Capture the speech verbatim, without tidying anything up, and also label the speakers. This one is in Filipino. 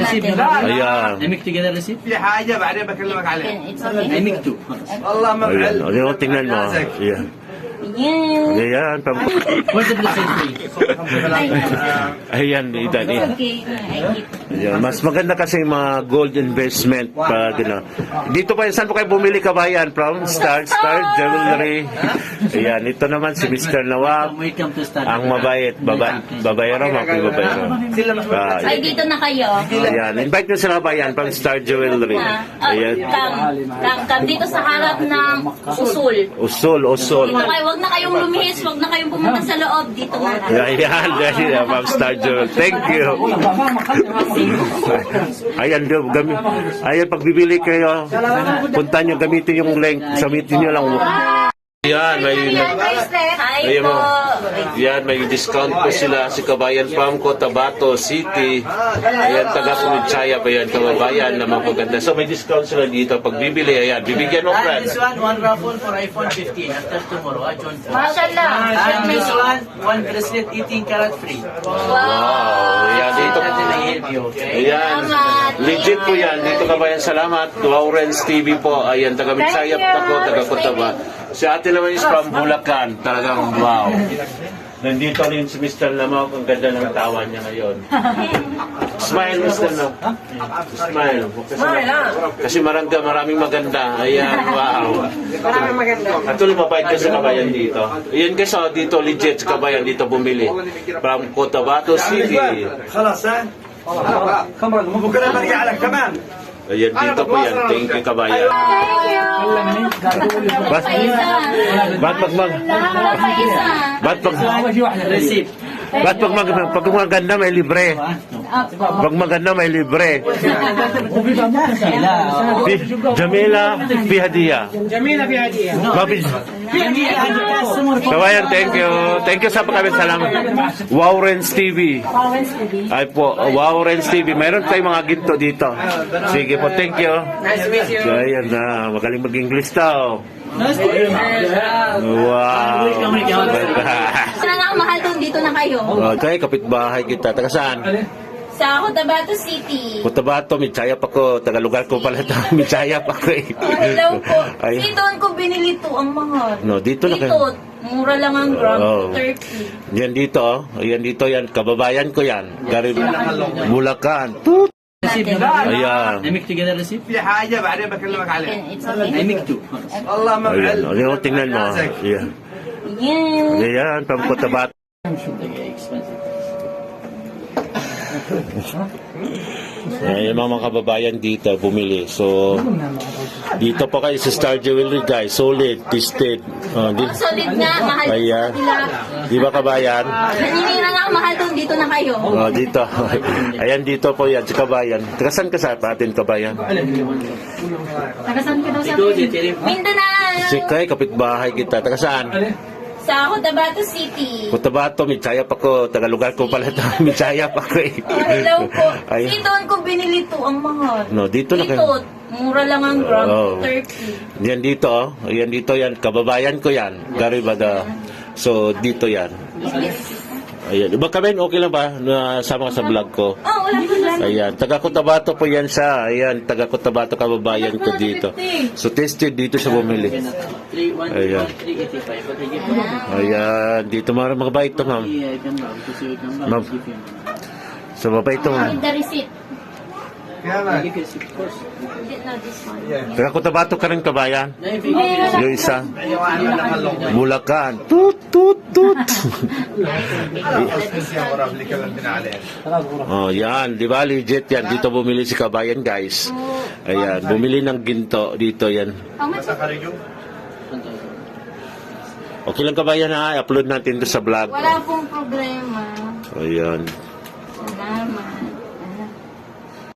Speaker 1: natin.
Speaker 2: Ayan.
Speaker 3: I make together receipt.
Speaker 4: في حاجة بعدين بكلمك عليها.
Speaker 1: It's okay.
Speaker 3: I make two.
Speaker 4: والله ما
Speaker 2: Ayan.
Speaker 4: بعلم.
Speaker 2: O, di mo tingnan mo. Ayan.
Speaker 1: Yan.
Speaker 2: Ayan. pam-
Speaker 3: Where's the blessing tree?
Speaker 2: Ayan. Ito. Ayan.
Speaker 1: Okay. I keep.
Speaker 2: Ayan. Mas maganda kasi yung mga gold investment pa gina. Dito pa, saan po kayo bumili kabayan? From Star Star Jewelry. Ayan. Ito naman si Mister Nawab.
Speaker 3: Welcome to start.
Speaker 2: Ang mabait. Baba, babayero. Makibabayero. Ah,
Speaker 1: Ay, dito na kayo.
Speaker 2: ayan. Invite nyo sa kabayan from Star Jewelry.
Speaker 1: Ah, oh,
Speaker 2: Ayan.
Speaker 1: Kam, kam, kam, dito sa harap ng usul.
Speaker 2: Usol, usol.
Speaker 1: Dito kayo, wag na kayong lumihis, wag na kayong pumunta sa loob. Dito na lang.
Speaker 2: Ayan, ayan, Ma'am Star Jewel. Thank you. Ayan, do, gami, ayan, pag bibili kayo, punta nyo, gamitin yung link, gamitin nyo lang. Ayan, may,
Speaker 1: Hi
Speaker 2: Ayan
Speaker 1: po.
Speaker 2: mo. Yan, may discount po sila si Kabayan Farm Cotabato City. Ayan, taga Sumidsaya pa yan, kababayan na magaganda. So may discount sila dito. Pag bibili, ayan, bibigyan mo,
Speaker 3: Ah,
Speaker 2: friend.
Speaker 3: this one, one raffle for iPhone fifteen after tomorrow. I join.
Speaker 1: Mashallah.
Speaker 3: And this one, one bracelet eighteen karat free.
Speaker 2: Wow, ayan, dito.
Speaker 3: That will help you, okay?
Speaker 2: Ayan, legit po yan. Dito Kabayan, salamat. Lawrence T V po. Ayan, taga Midsaya ako, taga Cotabato. Si ate naman is from Bulacan. Talagang wow. Nandito rin si Mister Lamau. Ang ganda ng tawa niya ngayon. Smile, Mister Lamau. Smile. Kasi, kasi marangga, maraming maganda. Ayan, wow. Maraming maganda. At tuloy mabait ka sa Kabayan dito. Ayan kasi oh, dito legit sa Kabayan dito bumili. From Cotabato City.
Speaker 4: خلاص ها؟ بكره برجع لك كمان.
Speaker 2: Ayan, dito po yan. Thank you, Kabayan. Ba't, ba't pag mag... Ba't pag...
Speaker 3: Receipt.
Speaker 2: Ba't pag mag... Pag maganda may libre? Pag maganda may libre. Fi- Jamila Fihadiya.
Speaker 5: جميلة في هدية.
Speaker 2: Babi... Kabayan, thank you. Thank you sa pagkabit. Salamat. Wowrens T V. Ay po, Wowrens T V. Mayroon tayong mga ginto dito. Sige po, thank you.
Speaker 5: Nice to meet you.
Speaker 2: So, ayan na. Magaling mag-English daw. Wow.
Speaker 1: Sana na mahal doon, dito na kayo.
Speaker 2: Okay, kapitbahay kita. Taga saan?
Speaker 1: Sa Cotabato City.
Speaker 2: Cotabato, Midsaya pa ko. Taga lugar ko pala ito. Midsaya pa ko eh.
Speaker 1: Oh, hello po.
Speaker 2: Ay.
Speaker 1: Dito ko binili to ang mahal.
Speaker 2: No, dito na
Speaker 1: Dito,
Speaker 2: kayo.
Speaker 1: mura lang ang gram,
Speaker 2: Oh.
Speaker 1: thirty.
Speaker 2: Yan dito, oh. Yan dito yan. Kababayan ko yan. Garib, Bulacan. Tut.
Speaker 3: Receipt.
Speaker 2: Ayan.
Speaker 3: I make together receipt.
Speaker 4: في حاجة بعدين بكلمك عليها.
Speaker 1: It's
Speaker 3: I
Speaker 1: okay.
Speaker 3: make two.
Speaker 4: والله ما
Speaker 2: Ayan.
Speaker 4: بعلم.
Speaker 2: O, yung tingnan mo. Ayan.
Speaker 1: Yan.
Speaker 2: Ayan, from Cotabato.
Speaker 3: Expensive.
Speaker 2: Ayan, yung mga kababayan dito bumili. So, dito pa kayo sa Star Jewelry, guys. Solid, tested. Oh, di,
Speaker 1: Ang solid nga, mahal
Speaker 2: Ayan.
Speaker 1: sila.
Speaker 2: Di ba, kabayan?
Speaker 1: Naninira na ang mahal doon, dito na kayo.
Speaker 2: Oh, dito. Ayan, dito po yan, sa kabayan. Taga saan ka sa atin, kabayan?
Speaker 1: Tagasan ka daw sa
Speaker 3: Ito, dito.
Speaker 1: Mindanao.
Speaker 2: Si Kay, kapitbahay kita. Taga saan?
Speaker 1: Sa Cotabato City.
Speaker 2: Cotabato, Midsaya pa ko. Taga lugar ko pala ito. Midsaya pa ko eh.
Speaker 1: Oh, hello po.
Speaker 2: Ay.
Speaker 1: Dito ko binili to ang mahal.
Speaker 2: No, dito na
Speaker 1: Dito,
Speaker 2: kayo.
Speaker 1: mura lang ang gram,
Speaker 2: Oh.
Speaker 1: thirty.
Speaker 2: Yan dito, oh. Yan dito yan. Kababayan ko yan. Garibada. So, dito yan. Ayan. Iba kami, okay lang ba? Na sama ka sa vlog ko.
Speaker 1: Oh, wala po lang.
Speaker 2: Ayan. Taga Cotabato po yan siya. Ayan. Taga Cotabato kababayan ko dito. So, tested dito sa bumili.
Speaker 3: three one
Speaker 2: Ayan.
Speaker 3: three eighty-five. But I give you.
Speaker 2: Ayan. Dito mga mabait to, ma'am.
Speaker 3: Yeah, I can ma'am. Because you can
Speaker 2: Ma'am.
Speaker 3: ma'am. Give you.
Speaker 2: So, mabait to, ma'am.
Speaker 1: With the receipt.
Speaker 3: I give you receipt, of course.
Speaker 1: No, this one.
Speaker 2: Taga Cotabato ka rin kabayan?
Speaker 3: Now, if you give
Speaker 2: Yung isa. Bulacan. Tut, tut, tut. Oh, yan. Di ba? Legit yan. Dito bumili si kabayan, guys. Ayan. Bumili ng ginto. Dito yan.
Speaker 1: How much?
Speaker 2: Okay lang kabayan ha. I-upload natin to sa vlog.
Speaker 1: Wala pong problema.
Speaker 2: Ayan.
Speaker 1: Salamat.